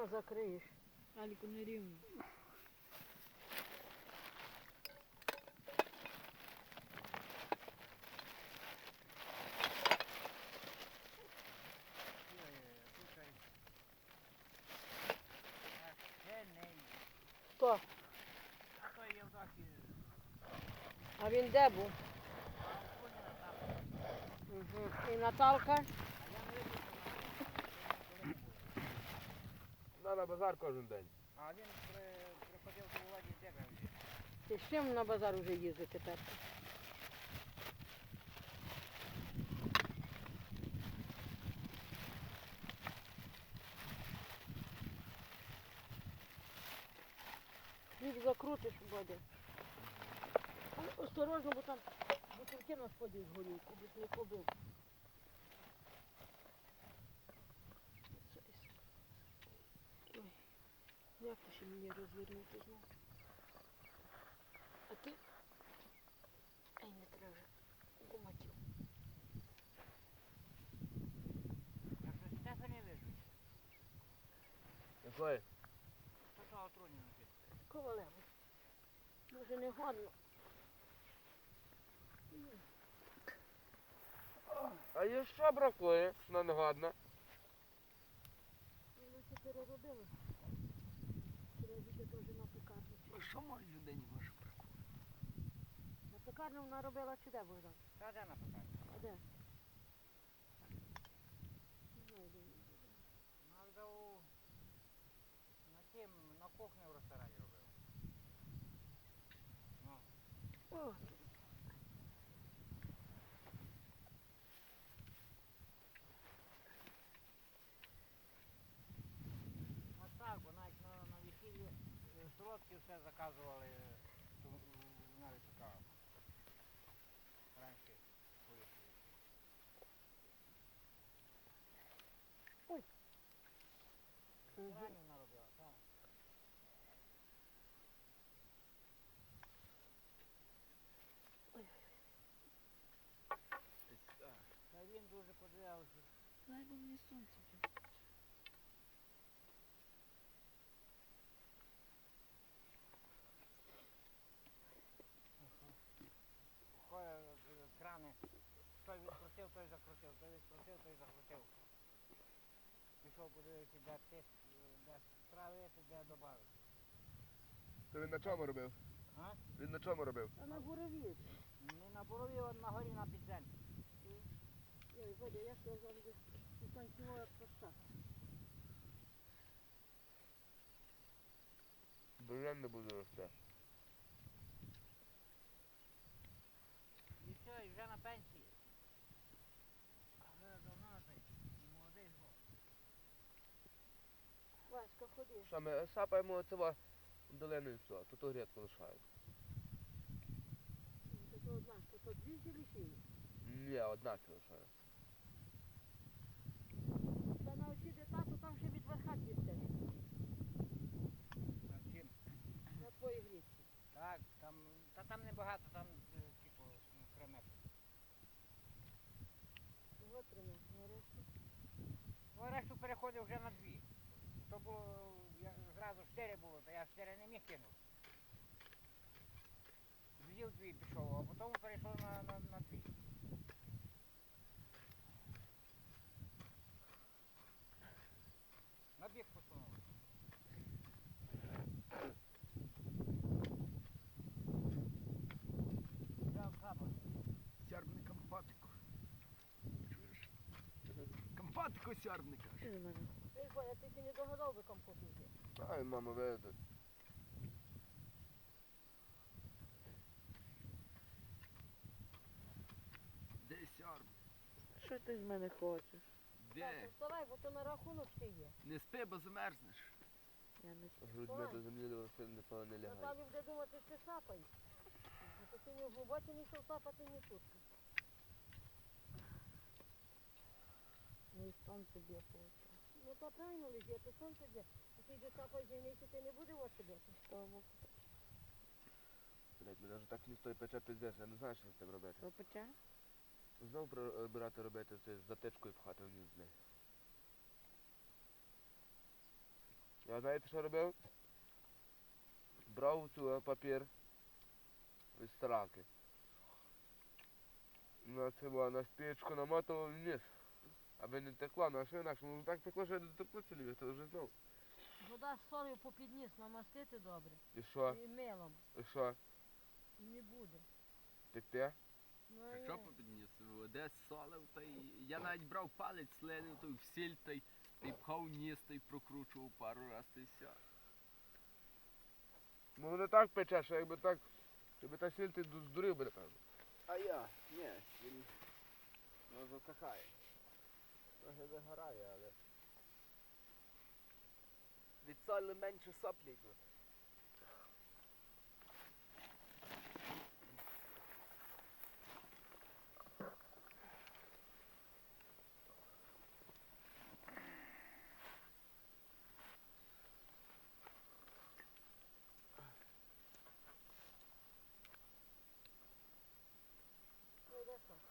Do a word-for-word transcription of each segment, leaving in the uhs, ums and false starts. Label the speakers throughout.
Speaker 1: закриєш.
Speaker 2: Аліку не рівно.
Speaker 1: Хто? А він де був? Угу. І Наталка?
Speaker 3: На, на базар кожен день.
Speaker 4: А він при, приходив до Володі Дєга вже.
Speaker 1: Ти з чим на базар вже їздить тепер? Хліб закрутиш, Бодя. Але осторожно, бо там бутилки на сході згорють, кудись не побив. Ой, як ти ще мені розвернути знову? А ти? Ай, не треба вже. Гуматів.
Speaker 4: Я щось те самі вижу.
Speaker 3: Якої?
Speaker 4: Що то отруйне написано?
Speaker 1: Ковалево. Може не годно.
Speaker 3: А є що бракує? Вона не годна.
Speaker 1: Вона це переробила. Треба бути теж на пекарню.
Speaker 4: Ну що може людині може бракувати?
Speaker 1: На пекарню вона робила чи де, Богдан?
Speaker 4: Та де на пекарні?
Speaker 1: А де? Не знаю, де вона робила.
Speaker 4: Вона у... на тім, на кухні в ресторані робила. Ну.
Speaker 1: О,
Speaker 4: А так, бо навіть на, на весіллі е, солодкі все заказували, е, то вона випікала. Раніше по весіллі.
Speaker 1: Ой.
Speaker 4: В ресторані вона робила, так. Та він дуже подивився.
Speaker 2: Дай бо мені сонце вже.
Speaker 4: Ходять е, крани. Той відкрутив, той закрутив, той відкрутив, той закрутив. Пішов подивитися, де тиск, е, де справити, де додати.
Speaker 3: То він на чому робив?
Speaker 4: А?
Speaker 3: Він на чому робив?
Speaker 1: а на бурові.
Speaker 4: Не на борові, а на горі на підземі.
Speaker 1: Ой, Бодя, я що завжди утанцювала проста.
Speaker 3: Бурян не буде рости.
Speaker 4: І все, і вже на пенсії. Вже давно на пенсії. І молодий згод.
Speaker 1: Васька, ходи.
Speaker 3: Що ми сапаємо цього долину і все, тут грядку лишаємо.
Speaker 1: Це то одна, то то дві чи лишили?
Speaker 3: Ні, одна це лишаю.
Speaker 1: Та на оці де тато, там ще від верха дістеш.
Speaker 4: На чим?
Speaker 1: На твоїй грідці.
Speaker 4: Так, там, та там небагато, там е, типу ну, кремет.
Speaker 1: Чого тримав? На решту?
Speaker 4: Ну, а решту переходив вже на дві. То було, я, зразу чотири було, то я чотири не міг кинути. З'їв дві пішов, а потім перейшов на, на, на дві. На бік посунув. Взяв запас.
Speaker 5: Сярбний компатику. Чуєш? Компатику сярбника.
Speaker 2: Що до мене?
Speaker 1: Ей, Боя, ти ще не догадав би компоту взяти.
Speaker 3: Ай, мама, вийде.
Speaker 5: Де сярб?
Speaker 2: Що ти з мене хочеш?
Speaker 1: Так,
Speaker 5: Де?
Speaker 1: вставай, бо то на рахунок ще є.
Speaker 5: Не спи, бо замерзнеш.
Speaker 2: Я не с-
Speaker 3: Грудьми до землі до сильно напевно не лягає.
Speaker 1: Наталі буде думати, що ти сапаєш. А то ти не в глибоці не йшов сапати, ні тут.
Speaker 2: Ну і сонце б'є по очах.
Speaker 1: Ну то правильно лежить, а то сонце де. А ти йде сапаєш, займейся, ти не буде ось бити.
Speaker 2: З того боку.
Speaker 3: Блять, мене вже так лісто і пече пиздець, я не знаю, що з цим робити.
Speaker 2: Що пече?
Speaker 3: Знову прибирати робити це з затичкою пхати вниз, блядь. Я знаєте, що робив? Брав цю е, папір від стараки. На цього, на спічку намотував вниз. Аби не текло, на що інакше. Ну так текло, що я не текло цілі, то вже знав.
Speaker 1: Вода з солью попід ніс намастити добре.
Speaker 3: І що?
Speaker 1: І милом.
Speaker 3: І що?
Speaker 1: І не буде.
Speaker 3: Текте?
Speaker 1: Ну,
Speaker 5: А
Speaker 1: а
Speaker 5: що
Speaker 1: я-
Speaker 5: попідніс? Де солив, та й я навіть брав палець, слинив, той в сіль, та й та й пхав вниз, та й прокручував пару раз, та й все.
Speaker 3: Ну не так пече, що якби так, якби та сіль ти ду- здурив би, напевно.
Speaker 5: А я? Ні, він ну, засахає. Трохи вигорає, але. Від солі менше соплі йдуть.
Speaker 1: Ну, де що?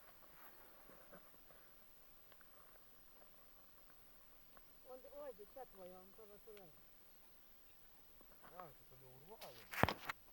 Speaker 1: Он, ой, дитя твоя, он то Василек.
Speaker 3: А, то не урвало.